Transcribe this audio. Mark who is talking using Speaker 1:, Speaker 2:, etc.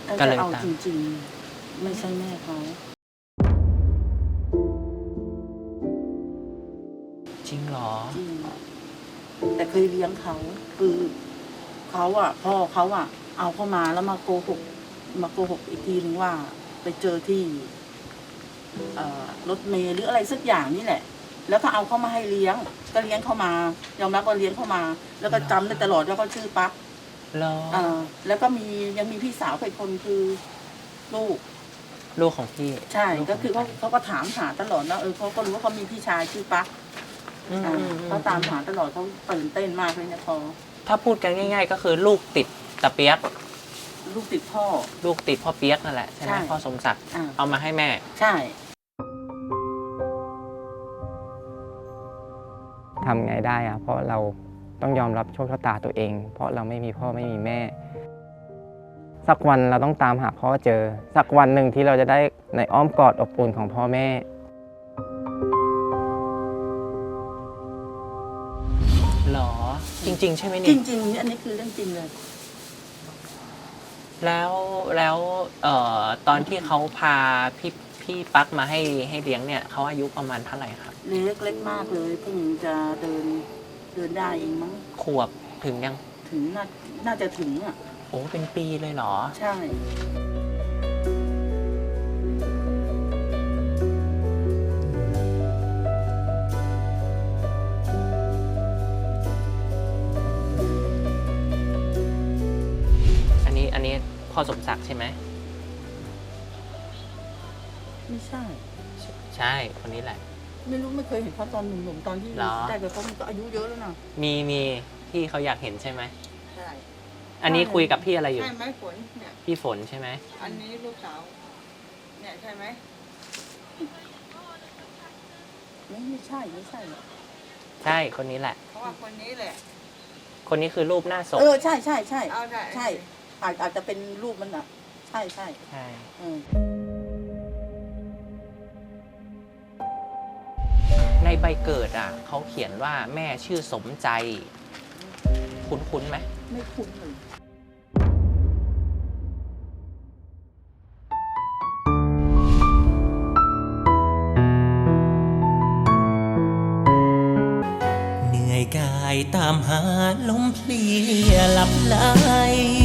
Speaker 1: ถ้า
Speaker 2: ก็
Speaker 1: จะ
Speaker 2: เลย
Speaker 1: เอา
Speaker 2: ตาม
Speaker 1: จริงๆ ไม่ใช่แม่เขา
Speaker 2: จริงเหรอ
Speaker 1: จริงแต่เคยเลี้ยงเขาคือเขาอ่ะพ่อเขาอ่ะ เอาเข้ามาแล้วมาโกหกอีกทีนึงว่า ไปเจอที่รถเมล์หรืออะไรสักอย่างนี่แหละ แล้วก็เอาเข้ามาให้เลี้ยง ก็เลี้ยงเข้ามายอมรับว่าเลี้ยงเข้ามา แล้วก็จำได้ตลอดว่าเขาชื่อปั๊ก
Speaker 2: เหรอ
Speaker 1: แล้วก็ยังมีพี่สาวอีกคนคือลูก
Speaker 2: ลูกของพี่
Speaker 1: ใช่
Speaker 2: ลู
Speaker 1: ก็
Speaker 2: ขง
Speaker 1: คือ
Speaker 2: ใร
Speaker 1: เขาก็ถามหาตลอดนะเขาก็รู้ว่าเขามีพี่ชายชื่อปั๊ก
Speaker 2: อืม
Speaker 1: เขาตามหาตลอดเขาตื่นเต้นมากเลยนะพอ
Speaker 2: ถ้าพูดกันง่าย ๆ ก็คือลูกติดตะเปียก
Speaker 1: ลูกติดพ่อ
Speaker 2: ลูกติดพ่อเปียกนั่นแหละใช่ไหม
Speaker 1: ใช่
Speaker 2: พ่อสมศักดิ์
Speaker 1: อ่า
Speaker 2: เอามาให้แม่
Speaker 1: ใช่
Speaker 3: ทำไงได้อะเพราะเราต้องยอมรับโชคชะตาตัวเอง เพราะเราไม่มีพ่อไม่มีแม่ สักวันเราต้องตามหาพ่อเจอ สักวันหนึ่งที่เราจะได้ในอ้อมกอดอบอุ่นของพ่อแม่
Speaker 2: หรอ จริง ๆ ใช่ไหม
Speaker 1: จ
Speaker 2: เนี่ย
Speaker 1: ริงๆอันนี้คือเรื่องจริงเลย
Speaker 2: แล้วตอนที่เขาพาพี่ปั๊กมาให้เลี้ยงเนี่ยเขาอายุประมาณเท่าไหร่ครับ
Speaker 1: เล็กมากเลยเพิ่งจะเดินได้เองมั้ง
Speaker 2: ขวบถึงยัง
Speaker 1: ถึงน่าจะถึงอ่ะ
Speaker 2: โอ้เป็นปีเลยเหรอ
Speaker 1: ใช่
Speaker 2: อันนี้พ่อสมศักดิ์ใช่ไหม
Speaker 1: ไม่ใช่
Speaker 2: ใช่คนนี้แหละ
Speaker 1: ไม่รู้ไม่เคยเห็นเขาตอนหนุ่มๆตอนที่
Speaker 2: เหรอ
Speaker 1: ได้กับเขามันก็อายุเยอะแล้วนะ
Speaker 2: มีที่เขาอยากเห็นใช่ไหม
Speaker 4: ใช่
Speaker 2: อันนี้คุยกับพี่อะไรอยู่
Speaker 4: ใช่ไหมฝนเนี่ย
Speaker 2: พี่ฝนใช่ไหม
Speaker 4: อันนี้ลูกสาวเนี่ยใช่ไหม
Speaker 1: ไม่ใช่หรอก
Speaker 2: ใช่คนนี้แหละ
Speaker 4: เพราะว่าคนนี้แหละ
Speaker 2: คนนี้คือรูปหน้าศพ
Speaker 1: ใช่
Speaker 4: เอาได้
Speaker 1: ใช่อาจจะเป็นรูปมันอ่ะ ใช่
Speaker 2: ใช่ ในใบเกิดอ่ะเขาเขียนว่าแม่ชื่อสมใจ คุ้นไหม
Speaker 1: ไม่คุ้นเลย
Speaker 5: เหนื่อยกายตามหาลมเพลียหลับไหล